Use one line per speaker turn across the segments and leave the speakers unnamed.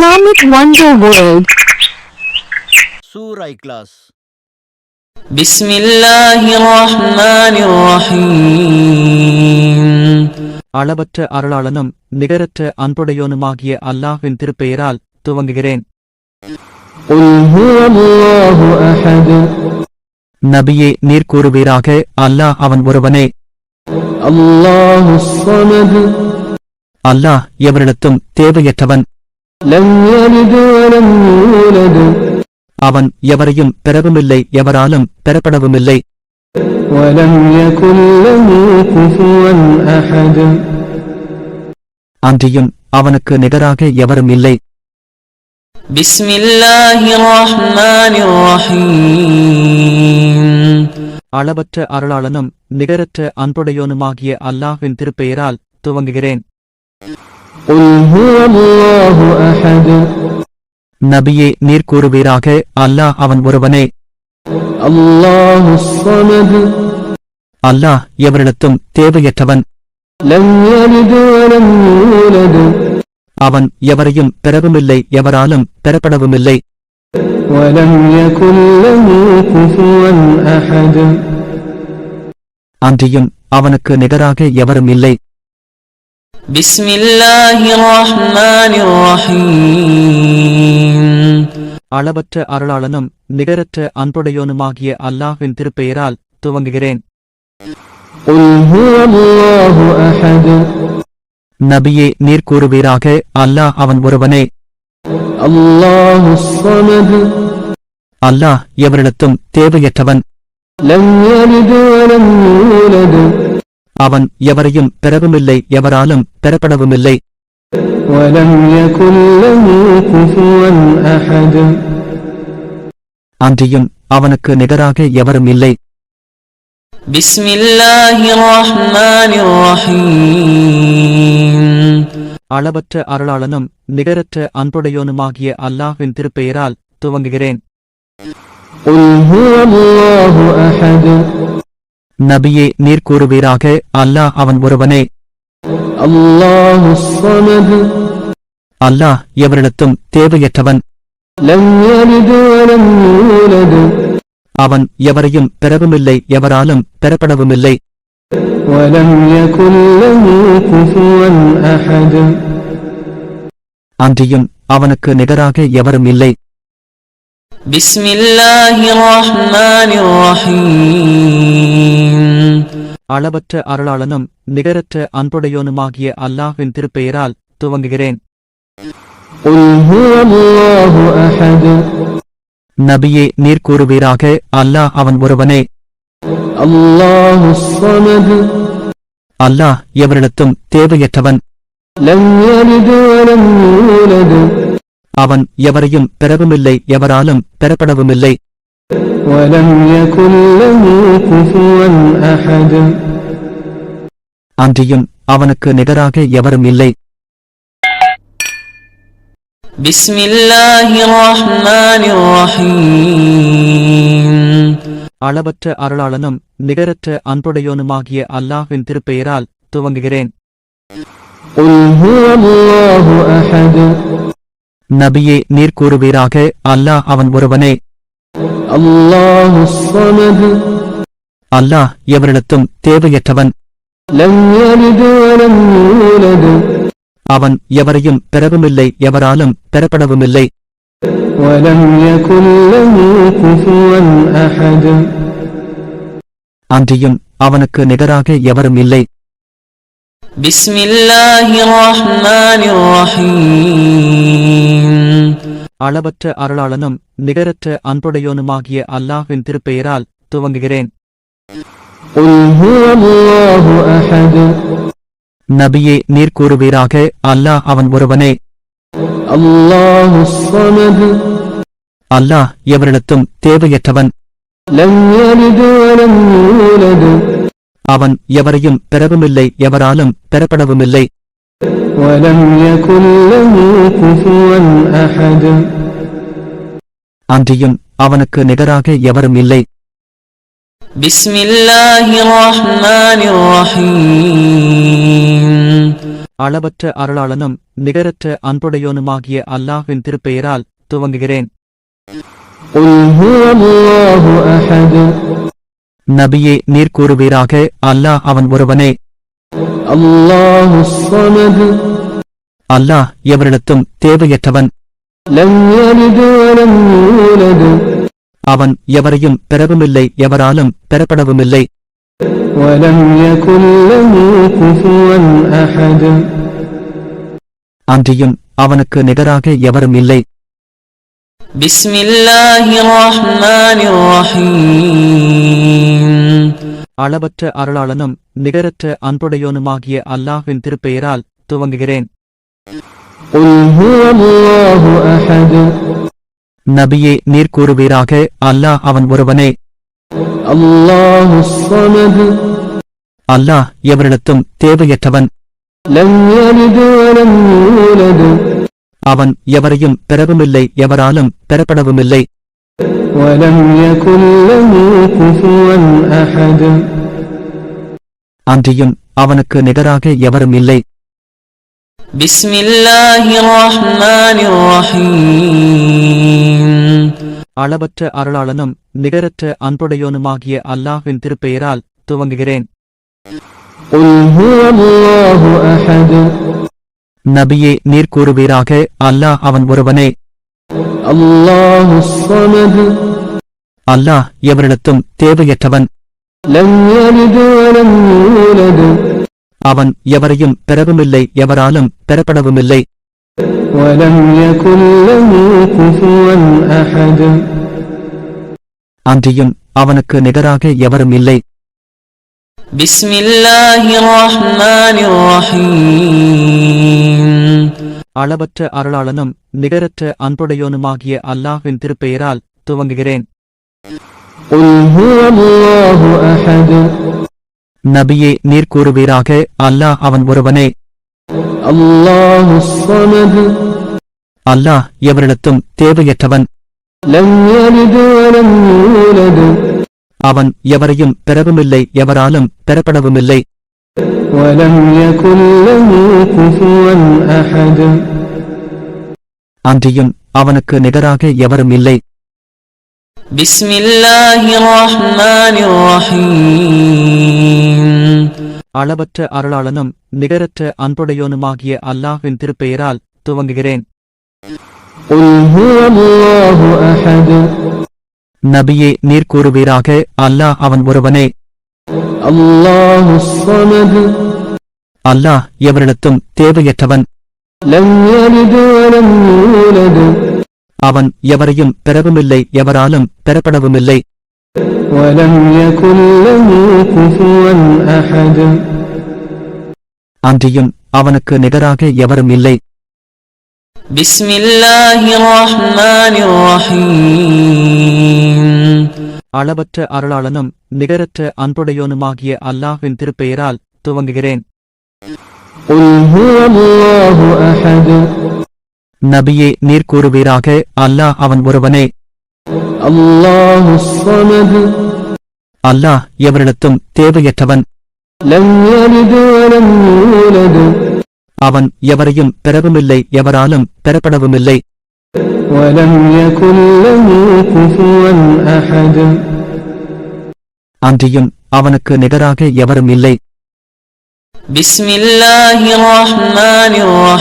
Islamic Wonder World.
Surah Ikhlas.
பிஸ்மில்லாஹிர்ரஹ்மானிர்ரஹீம்.
அளவற்ற அருளாளனும் நிகரற்ற அன்புடையோனுமாகிய அல்லாஹ்வின் திருப்பெயரால் துவங்குகிறேன். நபியே, நீர் கூறுவீராக, அல்லாஹ் அவன் ஒருவனே. அல்லாஹ் எவரிடத்தும் தேவையற்றவன். அவன் எவரையும் பெறவுமில்லை, எவராலும் பெறப்படவுமில்லை. அன்றியும் அவனுக்கு நிகராக எவரும் இல்லை.
பிஸ்மில்லாஹிர்ரஹ்மானிர்ரஹீம்.
அளவற்ற அருளாளனும் நிகரற்ற அன்புடையோனுமாகிய அல்லாஹ்வின் திருப்பெயரால் துவங்குகிறேன். நபியே, நீர் கூறுவீராக, அல்லாஹ் அவன் ஒருவனே. அல்லாஹ் எவரிடத்தும் தேவையற்றவன். அவன் எவரையும் பெறவுமில்லை, எவராலும் பெறப்படவுமில்லை. அன்றியும் அவனுக்கு நிகராக எவரும் இல்லை.
பிஸ்மில்லாஹிர்ரஹ்மானிர்ரஹீம்.
அளவற்ற அருளாளனும் நிகரற்ற அன்புடையோனுமாகிய அல்லாஹ்வின் திருப்பெயரால் துவங்குகிறேன். நபியே, நீர் கூறுவீராக, அல்லாஹ் அவன் ஒருவனே. அல்லாஹ் எவரிடத்தும் தேவையற்றவன். அவன் எவரையும் பெறவுமில்லை, எவராலும் பெறப்படவுமில்லை. அன்றியும் அவனுக்கு நிகராக எவரும் இல்லை.
பிஸ்மில்லாஹிர்ரஹ்மானிர்ரஹீம்.
அளவற்ற அருளாளனும் நிகரற்ற அன்புடையோனுமாகிய அல்லாஹ்வின் திருப்பெயரால் துவங்குகிறேன். நபியே, நீர் கூறுவீராக, அல்லாஹ் அவன் ஒருவனே. அல்லாஹ் எவரிடத்தும் தேவையற்றவன். அவன் எவரையும் பெறவுமில்லை, எவராலும் பெறப்படவுமில்லை. அன்றியும் அவனுக்கு நிகராக எவரும் இல்லை.
பிஸ்மில்லாஹிர்ரஹ்மானிர்ரஹீம்.
அளவற்ற அருளாளனும் நிகரற்ற அன்புடையோனுமாகிய அல்லாஹ்வின் திருப்பெயரால் துவங்குகிறேன். நபியே, நீர் கூறுவீராக, அல்லாஹ் அவன் ஒருவனே. அல்லாஹ் எவரிடத்தும் தேவையற்றவன். அவன் எவரையும் பெறவுமில்லை, எவராலும் பெறப்படவுமில்லை. அன்றியும் அவனுக்கு நிகராக எவரும் இல்லை.
பிஸ்மில்லாஹிர்ரஹ்மானிர்ரஹீம்.
அளவற்ற அருளாளனும் நிகரற்ற அன்புடையோனுமாகிய அல்லாஹ்வின் திருப்பெயரால் துவங்குகிறேன். நபியே, நீர் கூறுவீராக, அல்லாஹ் அவன் ஒருவனே. அல்லாஹ் எவரிடத்தும் தேவையற்றவன். அவன் எவரையும் பெறவுமில்லை, எவராலும் பெறப்படவுமில்லை. அன்றியும் அவனுக்கு நிகராக எவரும் இல்லை.
பிஸ்மில்லாஹிர்ரஹ்மானிர்ரஹீம்.
அளவற்ற அருளாளனும் நிகரற்ற அன்புடையோனுமாகிய அல்லாஹ்வின் திருப்பெயரால் துவங்குகிறேன். நபியே, நீர் கூறுவீராக, அல்லாஹ் அவன் ஒருவனே. அல்லாஹ் எவரிடத்தும் தேவையற்றவன். அவன் எவரையும் பெறவுமில்லை, எவராலும் பெறப்படவுமில்லை. அன்றியும் அவனுக்கு நிகராக எவரும் இல்லை.
பிஸ்மில்லாஹிர்ரஹ்மானிர்ரஹீம்.
அளவற்ற அருளாளனும் நிகரற்ற அன்புடையோனுமாகிய அல்லாஹ்வின் திருப்பெயரால் துவங்குகிறேன்.
قل هو الله أحد
நபியே நீர் கூறுவீராக, அல்லாஹ் அவன் ஒருவனே.
الله الصمد
அல்லாஹ் எவரிடத்தும் தேவையற்றவன்.
لم يلد ولم يولد
அவன் எவரையும் பெறவுமில்லை, எவராலும் பெறப்படவுமில்லை.
ولم يكن له كفوا أحد
அன்றியும் அவனுக்கு நிகராக எவரும் இல்லை.
بسم الله الرحمن الرحيم
அளவற்ற அருளாளனும் நிகரற்ற அன்புடையோனுமாகிய அல்லாஹ்வின் திருப்பெயரால் துவங்குகிறேன்.
قل هو الله أحد
நபியே நீர் கூறுவீராக, அல்லாஹ் அவன் ஒருவனே.
الله الصمد
அல்லாஹ் எவரிடத்தும் தேவையற்றவன்.
لم يلد ولم يولد
அவன் எவரையும் பெறவுமில்லை, எவராலும் பெறப்படவுமில்லை.
ولم يكن له كفوا أحد
அன்றியும் அவனுக்கு நிகராக எவரும் இல்லை.
بسم الله الرحمن الرحيم
அளவற்ற அருளாளனும் நிகரற்ற அன்புடையோனுமாகிய அல்லாஹ்வின் திருப்பெயரால் துவங்குகிறேன்.
قل هو الله أحد
நபியே நீர் கூறுவீராக, அல்லாஹ் அவன் ஒருவனே.
الله الصمد
அல்லாஹ் எவரிடத்தும் தேவையற்றவன்.
لم يلد ولم يولد
அவன் எவரையும் பெறவுமில்லை, எவராலும் பெறப்படவுமில்லை.
ولم يكن له كفوا أحد
அன்றியும் அவனுக்கு நிகராக எவரும் இல்லை.
بسم الله الرحمن الرحيم
அளவற்ற அருளாளனும் நிகரற்ற அன்புடையோனுமாகிய அல்லாஹ்வின் திருப்பெயரால் துவங்குகிறேன்.
قل هو الله أحد
நபியே நீர் கூறுவீராக, அல்லாஹ் அவன் ஒருவனே.
الله الصمد
அல்லாஹ் எவரிடத்தும் தேவையற்றவன்.
لم يلد ولم يولد
அவன் எவரையும் பெறவுமில்லை, எவராலும் பெறப்படவுமில்லை.
ولم يكن له كفوا أحد
அன்றியும் அவனுக்கு நிகராக எவரும் இல்லை.
بسم الله الرحمن الرحيم
அளவற்ற அருளாளனும் நிகரற்ற அன்புடையோனுமாகிய அல்லாஹ்வின் திருப்பெயரால் துவங்குகிறேன்.
قل هو الله أحد
நபியே நீர் கூறுவீராக, அல்லாஹ் அவன் ஒருவனே.
الله الصمد
அல்லாஹ் எவரிடத்தும் தேவையற்றவன்.
لم يلد ولم يولد
அவன் எவரையும் பெறவுமில்லை, எவராலும் பெறப்படவுமில்லை.
ولم يكن له كفوا أحد
அன்றியும் அவனுக்கு நிகராக எவரும் இல்லை.
بسم الله الرحمن الرحيم
அளவற்ற அருளாளனும் நிகரற்ற அன்புடையோனுமாகிய அல்லாஹ்வின் திருப்பெயரால் துவங்குகிறேன்.
قل هو الله أحد
நபியே நீர் கூறுவீராக, அல்லாஹ் அவன் ஒருவனே.
الله الصمد
அல்லாஹ் எவரிடத்தும் தேவையற்றவன்.
لم يلد ولم يولد
அவன் எவரையும் பெறவுமில்லை, எவராலும் பெறப்படவுமில்லை.
ولم يكن له كفوا أحد
அன்றியும் அவனுக்கு நிகராக எவரும் இல்லை.
بسم الله الرحمن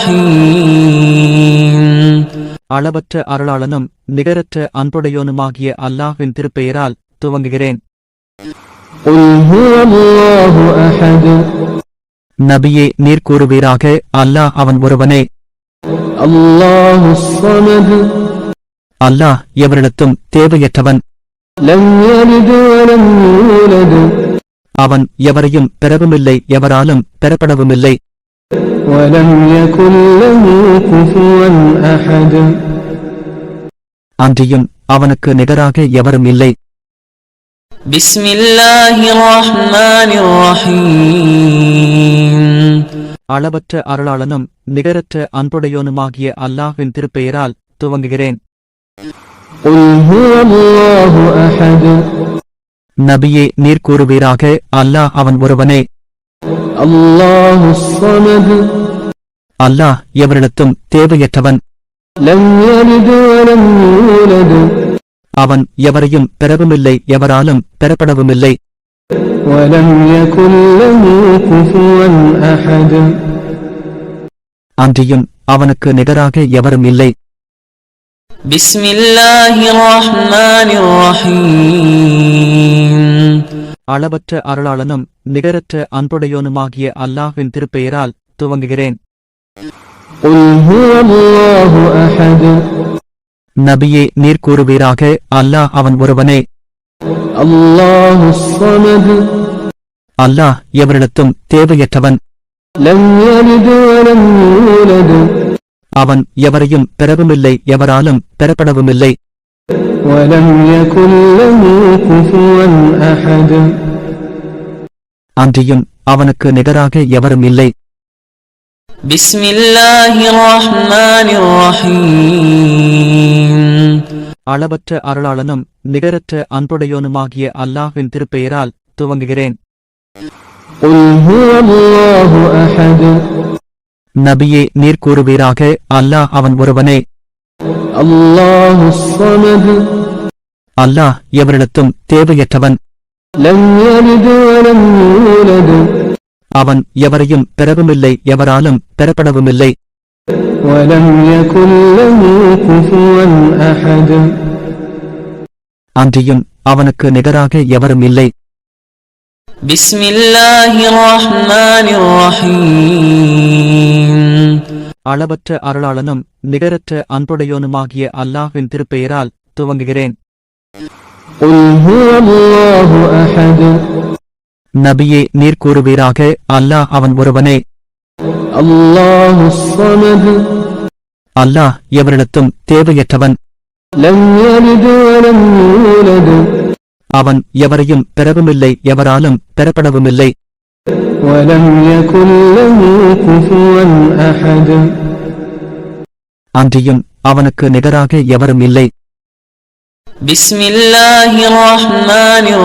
الرحيم
அளவற்ற அருளாளனும் நிகரற்ற அன்புடையோனுமாகிய அல்லாஹ்வின் திருப்பெயரால் துவங்குகிறேன்.
قل هو الله أحد
நபியே நீர் கூறுவீராக, அல்லாஹ் அவன் ஒருவனே.
الله الصمد
அல்லாஹ் எவரிடத்தும் தேவையற்றவன்.
لم يلد ولم يولد
அவன் எவரையும் பெறவுமில்லை, எவராலும் பெறப்படவுமில்லை.
ولم يكن له كفوا أحد
அன்றியும் அவனுக்கு நிகராக எவரும் இல்லை.
بسم الله الرحمن الرحيم
அளவற்ற அருளாளனும் நிகரற்ற அன்புடையோனுமாகிய அல்லாஹ்வின் திருப்பெயரால் துவங்குகிறேன்.
قل هو الله أحد
நபியே நீர் கூறுவீராக, அல்லாஹ் அவன் ஒருவனே.
الله الصمد
அல்லாஹ் எவரிடத்தும் தேவையற்றவன்.
لم يلد ولم يولد
அவன் எவரையும் பெறவுமில்லை, எவராலும் பெறப்படவுமில்லை.
ولم يكن له كفوا أحد
அன்றியும் அவனுக்கு நிகராக எவரும் இல்லை.
பிஸ்மில்லாஹிர் ரஹ்மானிர் ரஹீம்.
அளவற்ற அருளாளனும் நிகரற்ற அன்புடையோனுமாகிய அல்லாஹ்வின் திருப்பெயரால் துவங்குகிறேன்.
قل هو الله أحد
நபியே, நீர் கூறுவீராக, அல்லாஹ் அவன் ஒருவனே.
الله الصمد
அல்லாஹ் எவரிடத்தும் தேவையற்றவன்.
لم يلد ولم يولد
அவன் எவரையும் பெறவுமில்லை, எவராலும் பெறப்படவுமில்லை.
ولم يكن له كفوا أحد
அன்றியும் அவனுக்கு நிகராக எவரும் இல்லை.
பிஸ்மில்லாஹிர் ரஹ்மானிர் ரஹீம்.
அளவற்ற அருளாளனும் நிகரற்ற அன்புடையோனுமாகிய அல்லாஹ்வின் திருப்பெயரால் துவங்குகிறேன்.
قل هو الله أحد
நபியே, நீர் கூறுவீராக, அல்லாஹ் அவன் ஒருவனே.
الله الصمد
அல்லாஹ் எவரிடத்தும் தேவையற்றவன்.
لم يلد ولم يولد
அவன் எவரையும் பெறவுமில்லை, எவராலும் பெறப்படவுமில்லை.
ولم يكن له كفوا أحد
அன்றியும் அவனுக்கு நிகராக எவரும் இல்லை.
பிஸ்மில்லாஹிர் ரஹ்மானிர் ரஹீம்.
அளவற்ற அருளாளனும் நிகரற்ற அன்புடையோனுமாகிய அல்லாஹ்வின் திருப்பெயரால் துவங்குகிறேன்.
قل هو الله أحد
நபியே, நீர் கூறுவீராக, அல்லாஹ் அவன் ஒருவனே.
الله الصمد
அல்லாஹ் எவரிடத்தும் தேவையற்றவன்.
لم يلد ولم يولد
அவன் எவரையும் பெறவுமில்லை, எவராலும் பெறப்படவுமில்லை.
ولم يكن له كفوا أحد
அன்றியும் அவனுக்கு நிகராக எவரும் இல்லை.
பிஸ்மில்லாஹிர் ரஹ்மானிர்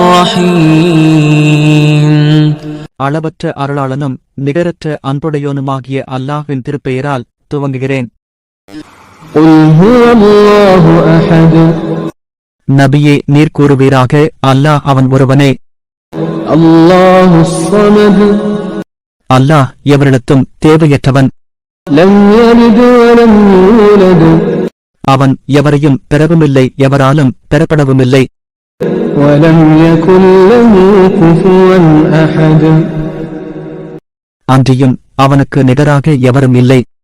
ரஹீம்.
அளவற்ற அருளாளனும் நிகரற்ற அன்புடையோனுமாகிய அல்லாஹ்வின் திருப்பெயரால் துவங்குகிறேன்.
قل هو الله أحد
நபியே, நீர் கூறுவீராக, அல்லாஹ் அவன் ஒருவனே.
الله الصمد
அல்லாஹ் எவரிடத்தும் தேவையற்றவன்.
لم يلد ولم يولد
அவன் எவரையும் பெறவுமில்லை, எவராலும் பெறப்படவுமில்லை.
ولم يكن له كفوا أحد
அன்றியும் அவனுக்கு நிகராக எவரும் இல்லை.